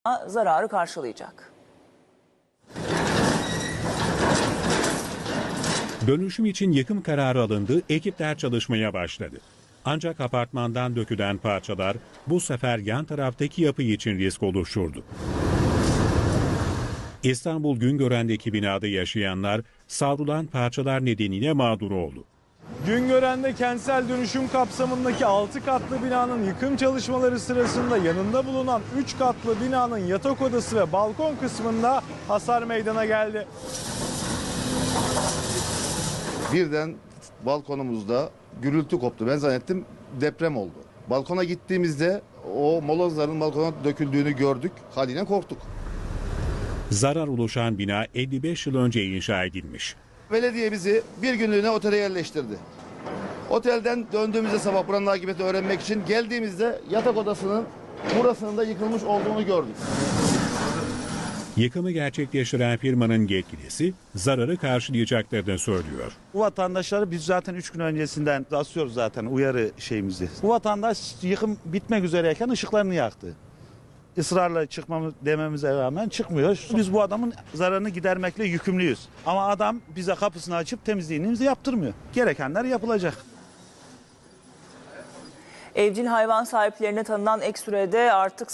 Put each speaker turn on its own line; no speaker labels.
zararı karşılayacak.
Dönüşüm için yıkım kararı alındı, ekipler çalışmaya başladı. Ancak apartmandan dökülen parçalar bu sefer yan taraftaki yapı için risk oluşturdu. İstanbul Güngören'deki binada yaşayanlar savrulan parçalar nedeniyle mağdur oldu.
Güngören'de kentsel dönüşüm kapsamındaki 6 katlı binanın yıkım çalışmaları sırasında yanında bulunan 3 katlı binanın yatak odası ve balkon kısmında hasar meydana geldi.
Birden balkonumuzda gürültü koptu. Ben zannettim deprem oldu. Balkona gittiğimizde o molozların balkona döküldüğünü gördük. Haliyle korktuk.
Zarar oluşan bina 55 yıl önce inşa edilmiş.
Belediye bizi bir günlüğüne otele yerleştirdi. Otelden döndüğümüzde sabah buranın akıbeti öğrenmek için geldiğimizde yatak odasının burasının da yıkılmış olduğunu gördük.
Yıkımı gerçekleştiren firmanın yetkilisi zararı karşılayacaklarını söylüyor.
Bu vatandaşları biz zaten 3 gün öncesinden asıyoruz zaten uyarı şeyimizi. Bu vatandaş yıkım bitmek üzereyken ışıklarını yaktı. Israrla çıkmamız dememize rağmen çıkmıyor. Biz bu adamın zararını gidermekle yükümlüyüz. Ama adam bize kapısını açıp temizliğini yaptırmıyor. Gerekenler yapılacak.
Evcil hayvan sahiplerine tanınan ek sürede artık